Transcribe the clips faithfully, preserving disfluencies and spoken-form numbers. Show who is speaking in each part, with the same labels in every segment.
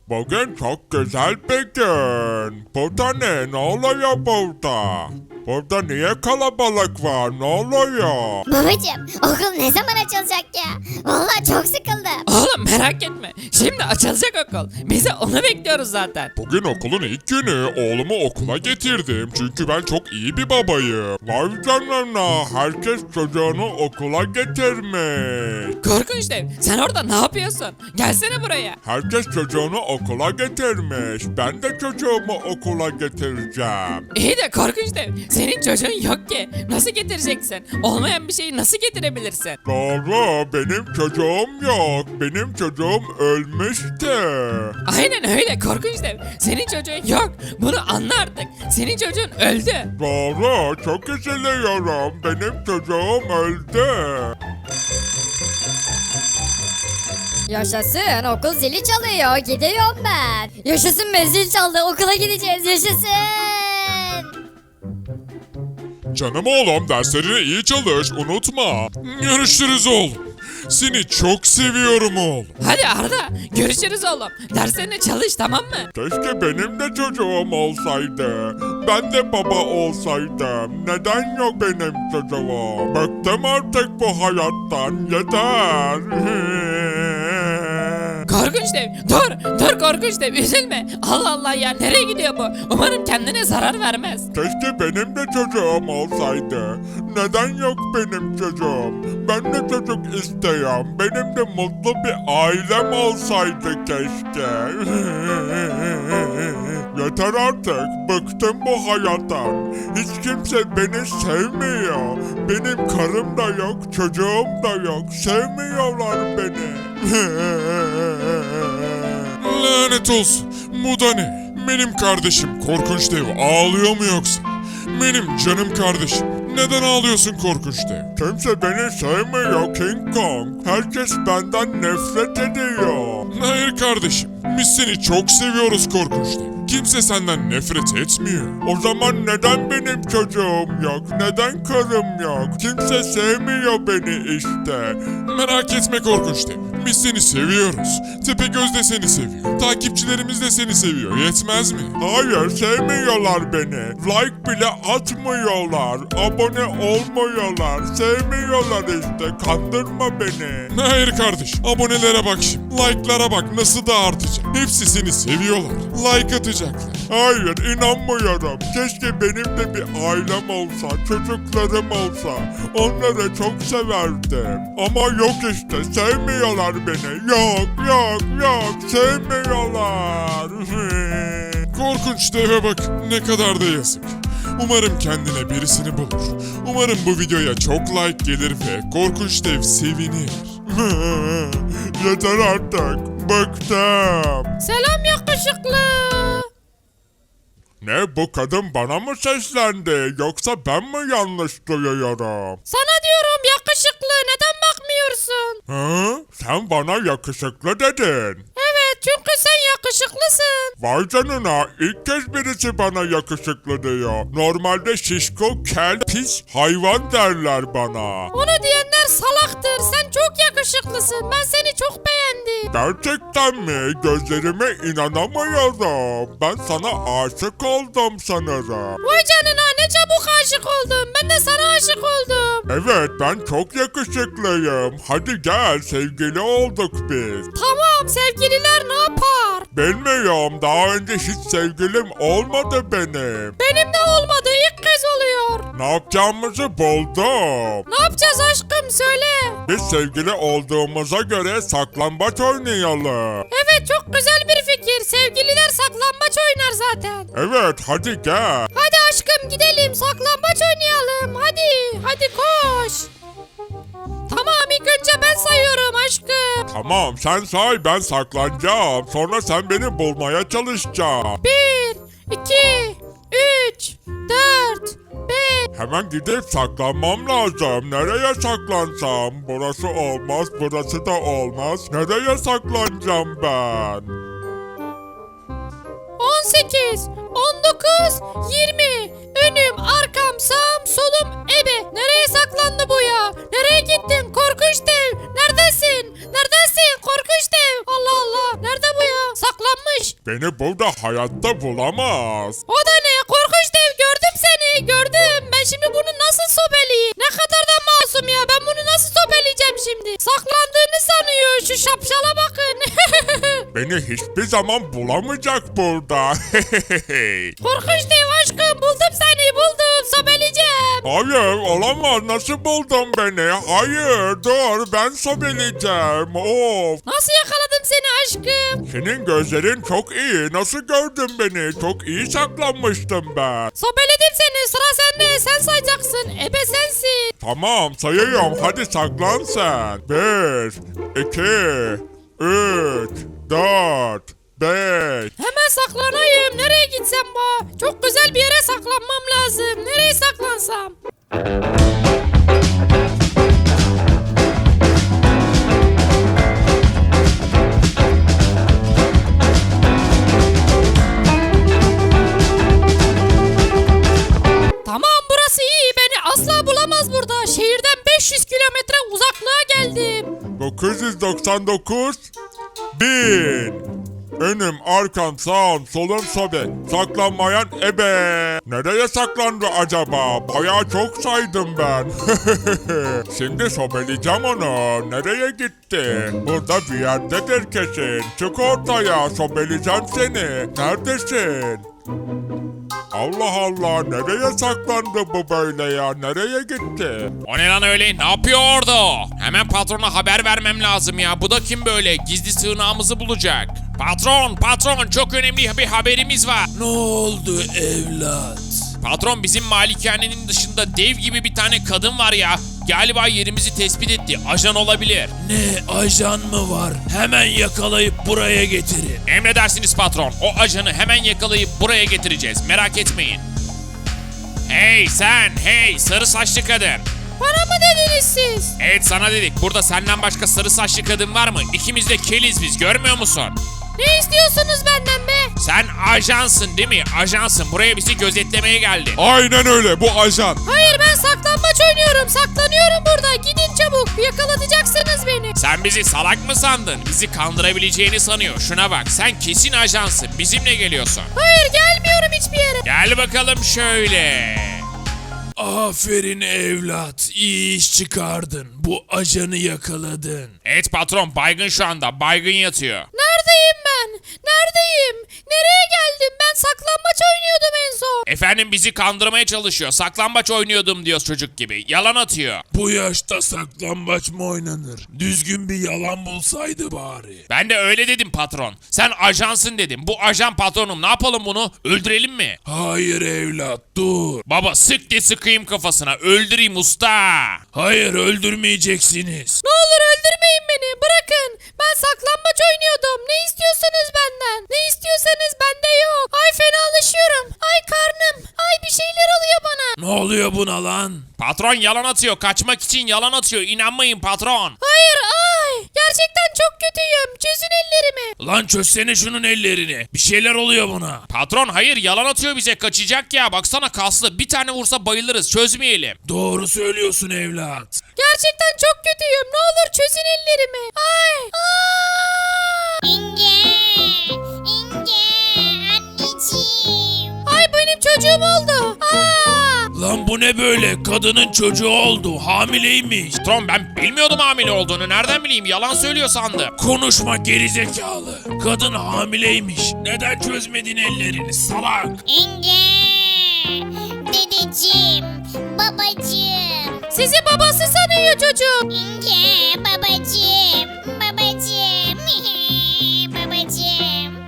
Speaker 1: Bugün çok güzel bir gün. Burada ne? Ne oluyor burada? Burada niye kalabalık var? Ne oluyor?
Speaker 2: Babacım okul ne zaman açılacak ya? Vallahi çok sıkıldım.
Speaker 3: Oğlum merak etme. Şimdi açılacak okul. Biz de onu bekliyoruz zaten.
Speaker 1: Bugün okulun ilk günü. Oğlumu okula getirdim. Çünkü ben çok iyi bir babayım. Vay canına. Herkes çocuğunu okula getirmiş.
Speaker 3: Korkunç dev. Sen orada ne yapıyorsun? Gelsene buraya.
Speaker 1: Herkes çocuğunu okula getirmiş. Ben de çocuğumu okula getireceğim.
Speaker 3: İyi de korkunç dev. Senin çocuğun yok ki. Nasıl getireceksin? Olmayan bir şeyi nasıl getirebilirsin?
Speaker 1: Doğru, benim çocuğum yok. Benim çocuğum ölmüştü.
Speaker 3: Aynen öyle korkunç dev. Senin çocuğun yok. Bunu anla artık. Senin çocuğun öldü.
Speaker 1: Doğru, çok üzülüyorum. Benim çocuğum öldü.
Speaker 2: Yaşasın okul zili çalıyor gidiyorum ben. Yaşasın be zil çaldı okula gideceğiz yaşasın.
Speaker 1: Canım oğlum, derslerine iyi çalış, unutma. Görüşürüz oğlum. Seni çok seviyorum oğlum.
Speaker 3: Hadi Arda. Görüşürüz oğlum. Derslerine çalış tamam mı?
Speaker 1: Keşke benim de çocuğum olsaydı. Ben de baba olsaydım. Neden yok benim çocuğum? Bıktım artık bu hayattan. Yeter.
Speaker 3: Korkunç dev. Dur. Dur korkunç dev. Üzülme. Allah Allah ya. Nereye gidiyor bu? Umarım kendine zarar vermez.
Speaker 1: Keşke benim de çocuğum olsaydı. Neden yok benim çocuğum? Ben de çocuk isteyorum. Benim de mutlu bir ailem olsaydı keşke. Yeter artık. Bıktım bu hayattan. Hiç kimse beni sevmiyor. Benim karım da yok, çocuğum da yok. Sevmiyorlar beni. Lanet olsun. Bu da ne? Benim kardeşim korkunç dev ağlıyor mu yoksa? Benim canım kardeşim. Neden ağlıyorsun korkunç dev? Kimse beni sevmiyor King Kong. Herkes benden nefret ediyor. Hayır kardeşim. Biz seni çok seviyoruz korkunç dev. Kimse senden nefret etmiyor. O zaman neden benim çocuğum yok? Neden karım yok? Kimse sevmiyor beni işte. Merak etme korkunç dev. Biz seni seviyoruz. Tepegöz de seni seviyor. Takipçilerimiz de seni seviyor. Yetmez mi? Hayır, sevmiyorlar beni. Like bile atmıyorlar. Abone olmuyorlar. Sevmiyorlar işte. Kandırma beni. Hayır kardeş. Abonelere bak şimdi. Like'lara bak nasıl da artacak. Hepsi seni seviyorlar. Like atacaklar. Hayır, inanmıyorum. Keşke benim de bir ailem olsa. Çocuklarım olsa. Onları çok severdim. Ama yok işte. Sevmiyorlar beni. Yok, yok, yok. Sevmiyorlar. Korkunç deve bak. Ne kadar da yazık. Umarım kendine birisini bulur. Umarım bu videoya çok like gelir ve korkunç dev sevinir. Yeter artık. Bıktım.
Speaker 3: Selam yakışıklı.
Speaker 1: Ne, bu kadın bana mı seslendi? Yoksa ben mi yanlış duyuyorum?
Speaker 3: Sana diyorum yakışıklı. Neden bakmıyorsun?
Speaker 1: Hı? Sen bana yakışıklı dedin.
Speaker 3: Evet çünkü sen yakışıklısın.
Speaker 1: Vay canına, ilk kez birisi bana yakışıklı diyor. Normalde şişko, kel, pis hayvan derler bana.
Speaker 3: Onu diyenler salaktır. Sen çok yakışıklısın. Ben seni çok beğendim.
Speaker 1: Gerçekten mi? Gözlerime inanamıyorum. Ben sana aşık oldum sanırım.
Speaker 3: Vay canına ne çabuk aşık oldum. Ben de sana aşık oldum.
Speaker 1: Evet, ben çok yakışıklıyım. Hadi gel, sevgili olduk biz.
Speaker 3: Tamam sevgililer ne yapar?
Speaker 1: Bilmiyorum, daha önce hiç sevgilim olmadı benim.
Speaker 3: Benim de olmadı. İlk kez oluyor.
Speaker 1: Ne yapacağımızı buldum.
Speaker 3: Ne yapacağız aşkım söyle.
Speaker 1: Biz sevgili olduğumuza göre saklambaç oynayalım.
Speaker 3: Evet çok güzel bir fikir. Sevgililer saklambaç oynar zaten.
Speaker 1: Evet, hadi gel.
Speaker 3: Hadi aşkım gidelim saklambaç oynayalım. Hadi hadi koş. Tamam ilk önce ben sayıyorum aşkım.
Speaker 1: Tamam, sen say, ben saklanacağım. Sonra sen beni bulmaya çalışacaksın.
Speaker 3: Bir, iki, üç, dört, beş.
Speaker 1: Hemen gidip saklanmam lazım. Nereye saklansam? Burası olmaz, burası da olmaz. Nereye saklanacağım ben?
Speaker 3: on sekiz, on dokuz, yirmi. Önüm, arkam, sağım, solum, ebe. Nereye saklandı bu ya? Nereye gittin? Korkunç dev. Neredesin? Neredesin? Korkunç dev. Allah Allah. Nerede bu ya? saklanmış.
Speaker 1: Beni burada hayatta bulamaz.
Speaker 3: O da ne? Korkunç dev, gördüm seni, gördüm. Ben şimdi bunu nasıl sobeleyeyim? Ne kadar da masum ya, ben bunu nasıl sobeleyeceğim şimdi? Saklandığını sanıyor, şu şapşala bakın.
Speaker 1: Beni hiçbir zaman bulamayacak burada.
Speaker 3: Korkunç dev aşkım, buldum seni, buldum, sobeleyeceğim.
Speaker 1: Hayır, olamaz. Nasıl buldun beni? Hayır, dur, ben sobeleyeceğim. Of.
Speaker 3: Nasıl yakaladım seni aşkım?
Speaker 1: Senin gözlerin çok iyi. Nasıl gördün beni? Çok iyi saklanmıştım ben.
Speaker 3: Sobeledim seni, sıra sende, sen sayacaksın. Ebe sensin.
Speaker 1: Tamam, sayıyorum. Hadi saklan sen. Bir, iki, üç, dört, beş.
Speaker 3: Hemen saklanayım. Nereye gitsem bu? Çok güzel bir yere saklanmam lazım. Nereye saklansam? Tamam, burası iyi. Beni asla bulamaz burada. Şehirden beş yüz kilometre uzaklığa geldim.
Speaker 1: dokuz yüz doksan dokuz, bin. Önüm, arkam, sağım, solum, sobe. Saklanmayan ebe. Nereye saklandı acaba? Bayağı çok saydım ben. Şimdi sobeleyeceğim onu. Nereye gitti? Burada bir yerdedir kesin. Çık ortaya, sobeleyeceğim seni. Neredesin? Allah Allah, nereye saklandı bu böyle ya? Nereye gitti?
Speaker 4: O ne lan öyle? Ne yapıyor orada o? Hemen patrona haber vermem lazım ya. Bu da kim böyle? Gizli sığınağımızı bulacak. Patron, patron, çok önemli bir haberimiz var.
Speaker 5: Ne oldu evlat?
Speaker 4: Patron, bizim malikanenin dışında dev gibi bir tane kadın var ya. Galiba yerimizi tespit etti. Ajan olabilir.
Speaker 5: Ne ajan mı var? Hemen yakalayıp buraya getirin.
Speaker 4: Emredersiniz patron. O ajanı hemen yakalayıp buraya getireceğiz. Merak etmeyin. Hey sen, hey sarı saçlı kadın.
Speaker 3: Bana mı dediniz siz?
Speaker 4: Evet, sana dedik. Burada senden başka sarı saçlı kadın var mı? İkimiz de keliz biz, görmüyor musun?
Speaker 3: Ne istiyorsunuz benden be?
Speaker 4: Sen ajansın değil mi? Ajansın. Buraya bizi gözetlemeye geldin.
Speaker 1: Aynen öyle, bu ajan.
Speaker 3: Hayır, ben saklambaç oynuyorum. Saklanıyorum burada. Gidin çabuk. Yakalatacaksınız beni.
Speaker 4: Sen bizi salak mı sandın? Bizi kandırabileceğini sanıyor. Şuna bak, sen kesin ajansın. Bizimle geliyorsun.
Speaker 3: Hayır, gelmiyorum hiçbir yere.
Speaker 4: Gel bakalım şöyle.
Speaker 5: Aferin evlat. İyi iş çıkardın. Bu ajanı yakaladın.
Speaker 4: Evet patron, baygın şu anda. Baygın yatıyor.
Speaker 3: Neredeyim ben? Neredeyim? Nereye geldim? Ben saklambaç oynuyordum en son.
Speaker 4: Efendim, bizi kandırmaya çalışıyor. Saklambaç oynuyordum diyor çocuk gibi. Yalan atıyor.
Speaker 5: Bu yaşta saklambaç mı oynanır? Düzgün bir yalan bulsaydı bari.
Speaker 4: Ben de öyle dedim patron. Sen ajansın dedim. Bu ajan patronum. Ne yapalım bunu? Öldürelim mi?
Speaker 5: Hayır evlat dur.
Speaker 4: Baba, sık diye sıkayım kafasına. Öldüreyim usta.
Speaker 5: Hayır öldürmeyeceksiniz.
Speaker 3: Ne olur öldürmeyin beni. Bırakın. Ben saklambaç oynuyordum. Ne istiyorsunuz benden? Ne istiyorsanız bende yok. Ay fenalaşıyorum. Ay karnım. Ay bir şeyler oluyor bana.
Speaker 5: Ne oluyor buna lan?
Speaker 4: Patron yalan atıyor. Kaçmak için yalan atıyor. İnanmayın patron.
Speaker 3: Hayır ay. Gerçekten çok kötüyüm. Çözün ellerimi.
Speaker 5: Lan çözsene şunun ellerini. Bir şeyler oluyor buna.
Speaker 4: Patron hayır, yalan atıyor bize. Kaçacak ya. Baksana kaslı. Bir tane vursa bayılırız. Çözmeyelim.
Speaker 5: Doğru söylüyorsun evlat.
Speaker 3: Gerçekten çok kötüyüm. Ne olur çözün ellerimi. Ay. Aa!
Speaker 2: İnce, İnce, anneciğim.
Speaker 3: Ay benim çocuğum oldu. Aa!
Speaker 5: Lan bu ne böyle? Kadının çocuğu oldu. Hamileymiş.
Speaker 4: Patron, ben bilmiyordum hamile olduğunu. Nereden bileyim? Yalan söylüyor sandım.
Speaker 5: Konuşma gerizekalı. Kadın hamileymiş. Neden çözmedin ellerini salak?
Speaker 2: İnce, dedeciğim, babacığım.
Speaker 3: Sizi babası sanıyor çocuğum.
Speaker 2: İnce, babacığım, babacığım, babacığım.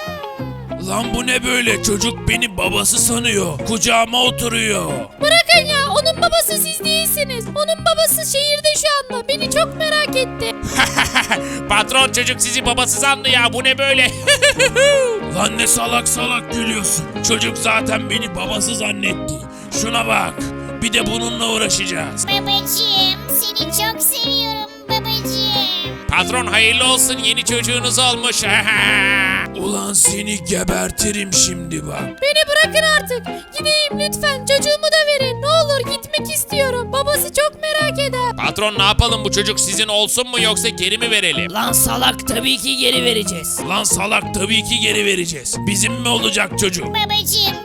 Speaker 5: Lan bu ne böyle? Çocuk beni babası sanıyor. Kucağıma oturuyor.
Speaker 3: Bırakın ya, onun babası siz değilsiniz. Onun babası şehirde şu anda. Beni çok merak etti.
Speaker 4: Patron, çocuk sizi babası sandı ya. Bu ne böyle?
Speaker 5: Lan ne salak salak gülüyorsun. Çocuk zaten beni babası zannetti. Şuna bak. Bir de bununla uğraşacağız.
Speaker 2: Babacığım, seni çok seviyorum babacığım.
Speaker 4: Patron hayırlı olsun, yeni çocuğunuz olmuş.
Speaker 5: Ulan seni gebertirim şimdi bak.
Speaker 3: Beni bırakın artık. Gideyim lütfen. Çocuğumu da verin. Ne olur gitmek istiyorum. Babası çok merak eder.
Speaker 4: Patron ne yapalım, bu çocuk sizin olsun mu yoksa geri mi verelim?
Speaker 6: Lan salak tabii ki geri vereceğiz.
Speaker 5: Lan salak tabii ki geri vereceğiz. Bizim mi olacak çocuk?
Speaker 2: Babacığım